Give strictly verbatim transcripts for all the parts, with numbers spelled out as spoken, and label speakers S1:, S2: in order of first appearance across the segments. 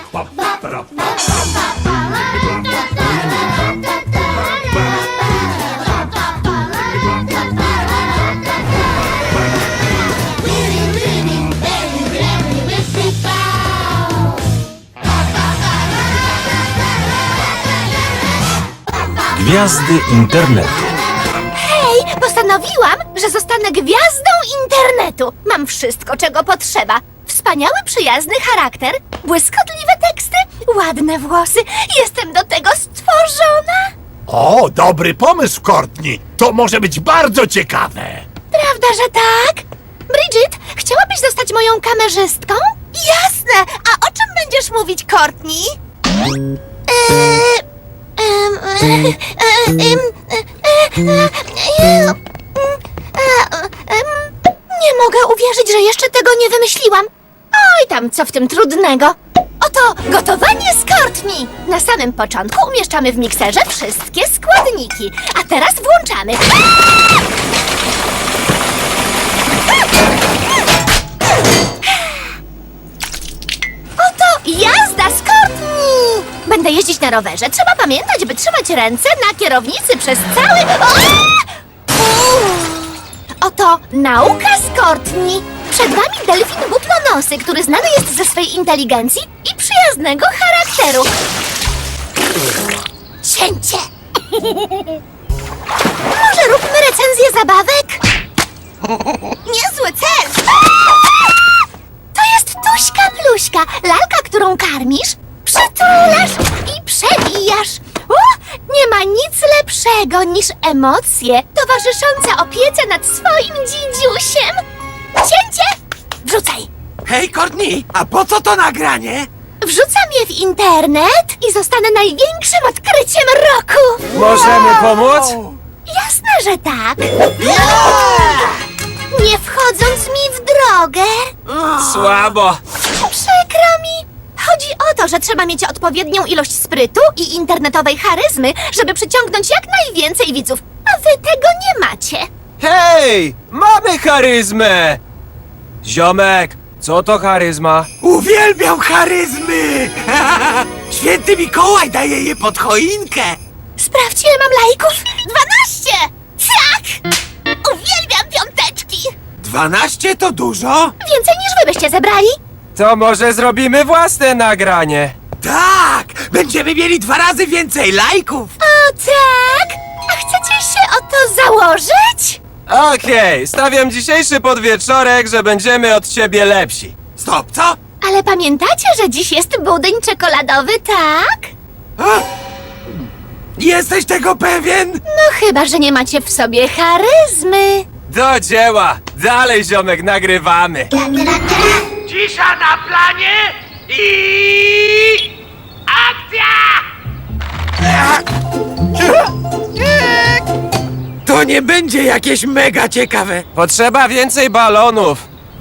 S1: Gwiazdy internetu.
S2: Hej, postanowiłam, że zostanę gwiazdą internetu. Mam wszystko, czego potrzeba. Wspaniały, przyjazny charakter, błyskotliwe teksty, ładne włosy. Jestem do tego stworzona.
S3: O, dobry pomysł, Courtney. To może być bardzo ciekawe.
S2: Prawda, że tak? Bridget, chciałabyś zostać moją kamerzystką? Jasne! A o czym będziesz mówić, Courtney? Eee, em, e, e, em, e, e, e, e, em, Nie mogę uwierzyć, że jeszcze tego nie wymyśliłam. Oj tam, co w tym trudnego? Oto gotowanie z Courtney. Na samym początku umieszczamy w mikserze wszystkie składniki. A teraz włączamy. Oto jazda z Courtney! Będę jeździć na rowerze. Trzeba pamiętać, by trzymać ręce na kierownicy przez cały... O! Uff. Oto nauka z Courtney. Przed wami delfin butlonosy, który znany jest ze swej inteligencji i przyjaznego charakteru. Cięcie! Może róbmy recenzję zabawek? Niezły cel! To jest Tuśka Pluśka, lalka, którą karmisz, przytulasz i przebijasz. O, nie ma nic lepszego niż emocje towarzyszące opiece nad swoim dzidziusiem. Cięcie! Wrzucaj!
S4: Hej, Courtney, a po co to nagranie?
S2: Wrzucam je w internet i zostanę największym odkryciem roku!
S1: Możemy pomóc?
S2: Jasne, że tak! Nie wchodząc mi w drogę!
S1: Słabo.
S2: Przykro mi! Chodzi o to, że trzeba mieć odpowiednią ilość sprytu i internetowej charyzmy, żeby przyciągnąć jak najwięcej widzów, a wy tego nie macie.
S1: Hej! Mamy charyzmę! Ziomek, co to charyzma?
S4: Uwielbiam charyzmy! Święty Mikołaj daje je pod choinkę!
S2: Sprawdź, ile mam lajków! Dwanaście! Tak! Uwielbiam piąteczki!
S4: Dwanaście to dużo?
S2: Więcej niż wy byście zebrali?
S1: To może zrobimy własne nagranie.
S4: Tak! Będziemy mieli dwa razy więcej lajków!
S2: O tak! A chcecie się o to założyć?
S1: Okej, stawiam dzisiejszy podwieczorek, że będziemy od ciebie lepsi.
S4: Stop, co?
S2: Ale pamiętacie, że dziś jest budyń czekoladowy, tak?
S4: A? Jesteś tego pewien?
S2: No chyba, że nie macie w sobie charyzmy.
S1: Do dzieła! Dalej, ziomek, nagrywamy.
S4: Cisza na planie i... akcja! To nie będzie jakieś mega ciekawe.
S1: Potrzeba więcej balonów.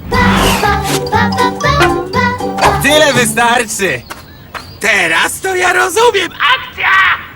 S1: Tyle wystarczy.
S4: Teraz to ja rozumiem. Akcja!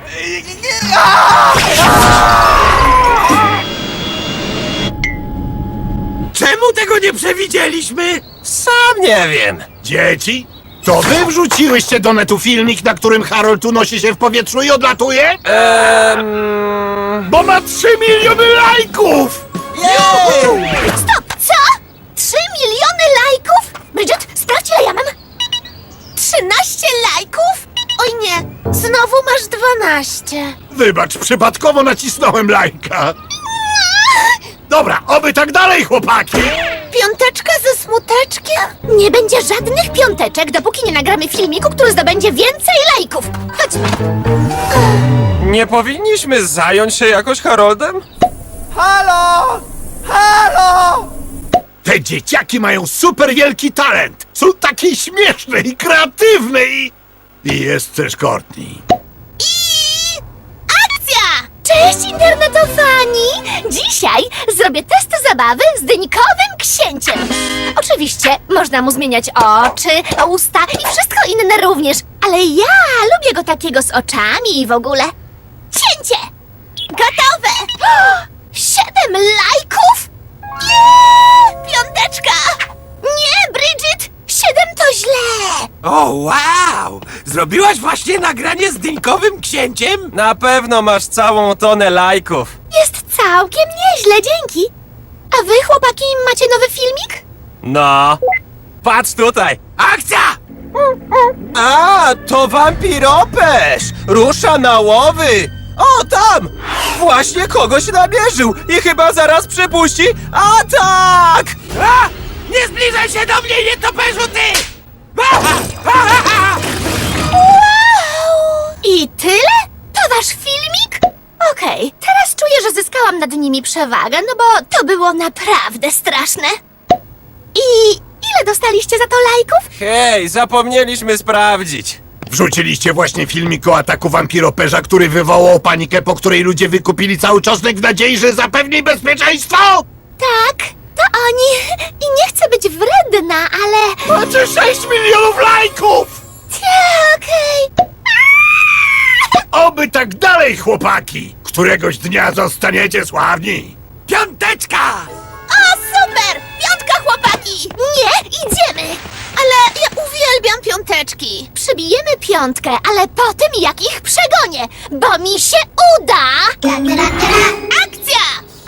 S4: Czemu tego nie przewidzieliśmy?
S1: Sam nie wiem.
S3: Dzieci, to wy wrzuciłyście do netu filmik, na którym Harold unosi się w powietrzu i odlatuje?
S1: Ehm...
S3: Bo ma trzy miliony lajków!
S2: Stop, co? Trzy miliony lajków? Bridget, sprawdź, ile ja mam. Trzynaście lajków? Oj nie, znowu masz dwanaście.
S3: Wybacz, przypadkowo nacisnąłem lajka. Dobra, oby tak dalej, chłopaki!
S2: Piąteczka ze smuteczkiem? Nie będzie żadnych piąteczek, dopóki nie nagramy filmiku, który zdobędzie więcej lajków. Chodźmy.
S1: Nie powinniśmy zająć się jakoś Haroldem?
S4: Halo! Halo!
S3: Te dzieciaki mają super wielki talent. Są takie śmieszne i kreatywne i... I jest też Courtney.
S2: I akcja! Cześć, internetofani! Dzisiaj zrobię test zabawy z dyńkowym księciem. Oczywiście można mu zmieniać oczy, usta i wszystko inne również, ale ja lubię go takiego z oczami i w ogóle. Cięcie! Gotowe! Siedem lajków? Nie! Piąteczka! Nie, Bridget! siedem to źle!
S4: O, wow! Zrobiłaś właśnie nagranie z dyńkowym księciem?
S1: Na pewno masz całą tonę lajków.
S2: Jest całkiem nieźle, dzięki. A wy, chłopaki, macie nowy filmik?
S1: No. Patrz tutaj.
S4: Akcja!
S1: A, to wampiropesz! Rusza na łowy! O, tam! Właśnie kogoś namierzył i chyba zaraz przepuści atak!
S4: A! Nie zbliżaj się do mnie, nietoperzu, ty! Aha! Aha! Aha!
S2: Wow! I tyle? To wasz filmik? Okej, teraz czuję, że zyskałam nad nimi przewagę, no bo to było naprawdę straszne. I ile dostaliście za to lajków?
S1: Hej, zapomnieliśmy sprawdzić.
S3: Wrzuciliście właśnie filmik o ataku wampiroperza, który wywołał panikę, po której ludzie wykupili cały czosnek w nadziei, że zapewni bezpieczeństwo?
S2: Tak, to oni. I nie chcę być wredna, ale...
S3: Macie sześć milionów lajków!
S2: Ta, okej.
S3: Oby tak dalej, chłopaki! Któregoś dnia zostaniecie sławni!
S4: Piąteczka!
S2: O, super! Piątka, chłopaki! Nie, idziemy! Ale ja uwielbiam piąteczki. Przybijemy piątkę, ale po tym jak ich przegonię, bo mi się uda! Akcja!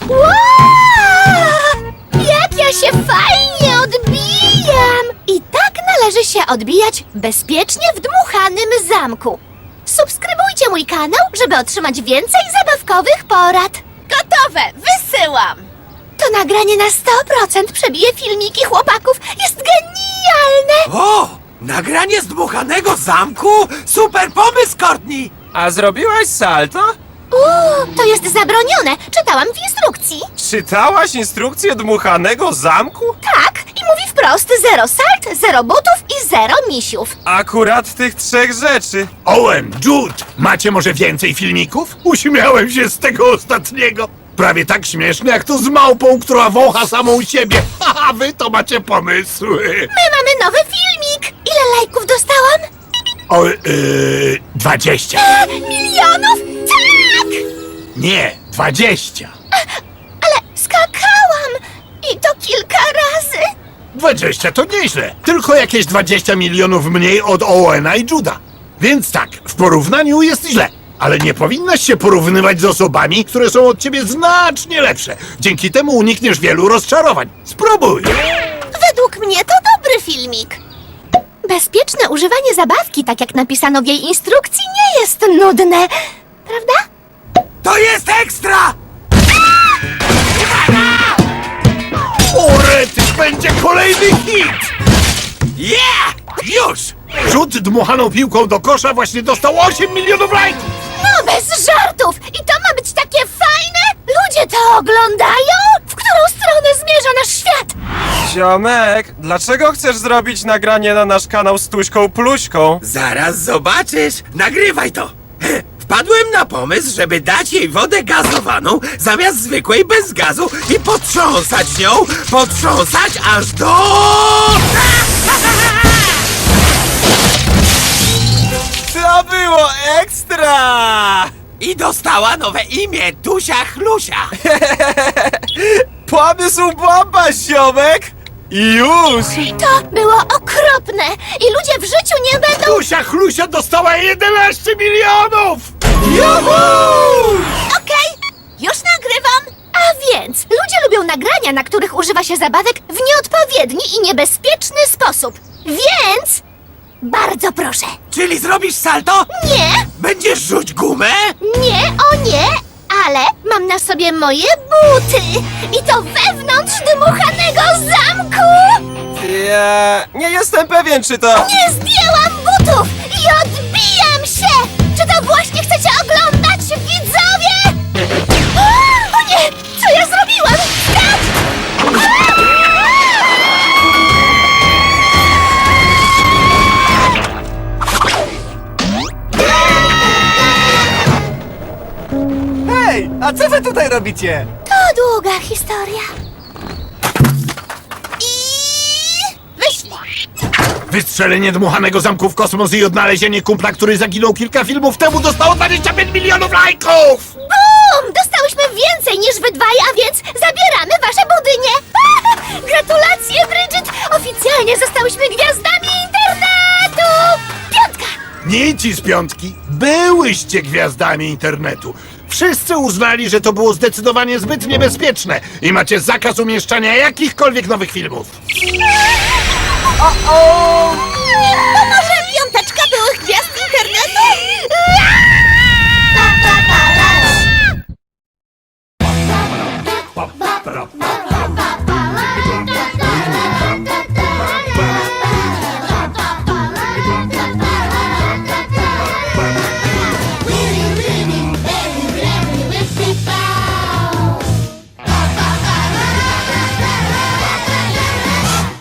S2: Wow! Jak ja się fajnie odbijam! I tak należy się odbijać bezpiecznie w dmuchanym zamku. Subskrybujcie mój kanał, żeby otrzymać więcej zabawkowych porad. Gotowe! Wysyłam! To nagranie na sto procent przebije filmiki chłopaków. Jest genialne!
S4: O! Nagranie z dmuchanego zamku? Super pomysł, Courtney!
S1: A zrobiłaś salto?
S2: Uuu, to jest zabronione. Czytałam w instrukcji.
S1: Czytałaś instrukcję dmuchanego zamku?
S2: Tak, i mówi wprost zero salt, zero butów i zero misiów.
S1: Akurat tych trzech rzeczy.
S3: Owen, Jude, macie może więcej filmików? Uśmiałem się z tego ostatniego. Prawie tak śmieszne jak to z małpą, która wącha samą siebie. Haha, wy to macie pomysły.
S2: My mamy nowy filmik. Ile lajków dostałam?
S3: O, yy, dwadzieścia.
S2: E, milionów? Tak!
S3: Nie, dwadzieścia.
S2: Ale skakałam. I to kilka razy.
S3: Dwadzieścia to nieźle. Tylko jakieś dwadzieścia milionów mniej od Owena i Juda. Więc tak, w porównaniu jest źle. Ale nie powinnaś się porównywać z osobami, które są od ciebie znacznie lepsze. Dzięki temu unikniesz wielu rozczarowań. Spróbuj!
S2: Według mnie to dobry filmik. Bezpieczne używanie zabawki, tak jak napisano w jej instrukcji, nie jest nudne. Prawda?
S4: To jest ekstra!
S3: O, rety, będzie kolejny hit!
S4: Yeah! Już!
S3: Rzut dmuchaną piłką do kosza właśnie dostał osiem milionów lajków!
S2: No bez żartów! I to ma być takie fajne? Ludzie to oglądają? W którą stronę zmierza nasz świat?
S1: Ziomek, dlaczego chcesz zrobić nagranie na nasz kanał z Tuśką Pluśką?
S4: Zaraz zobaczysz! Nagrywaj to! Wpadłem na pomysł, żeby dać jej wodę gazowaną zamiast zwykłej bez gazu i potrząsać nią, potrząsać aż do...
S1: To było ekstra!
S4: I dostała nowe imię, Tusia Chlusia.
S1: Pomysł bomba, ziomek! I już!
S2: To było okropne i ludzie w życiu nie będą...
S3: Tusia Chlusia dostała jedenaście milionów!
S2: Okej, już nagrywam. A więc, ludzie lubią nagrania, na których używa się zabawek w nieodpowiedni i niebezpieczny sposób. Więc... bardzo proszę.
S4: Czyli zrobisz salto?
S2: Nie,
S4: Będziesz rzuć gumę?
S2: nie, o nie, ale mam na sobie moje buty. I to wewnątrz dmuchanego zamku.
S1: Ja nie jestem pewien, czy to...
S2: Nie zdjęłam butów i odbijam się! Czy to właśnie chcecie oglądać, widzowie? O nie! Co ja zrobiłam? Skacz!
S5: Hej, a co wy tutaj robicie?
S2: To długa historia. I... wyślę.
S3: Wystrzelenie dmuchanego zamku w kosmos i odnalezienie kumpla, który zaginął kilka filmów temu, dostało dwadzieścia pięć milionów lajków!
S2: Um, dostałyśmy więcej niż wy dwaj, a więc zabieramy wasze budynie! Gratulacje, Bridget! Oficjalnie zostałyśmy gwiazdami internetu! Piątka!
S3: Nici z piątki, byłyście gwiazdami internetu. Wszyscy uznali, że to było zdecydowanie zbyt niebezpieczne i macie zakaz umieszczania jakichkolwiek nowych filmów.
S2: To może piąteczka byłych gwiazd internetu?
S3: Pa, pa, pa.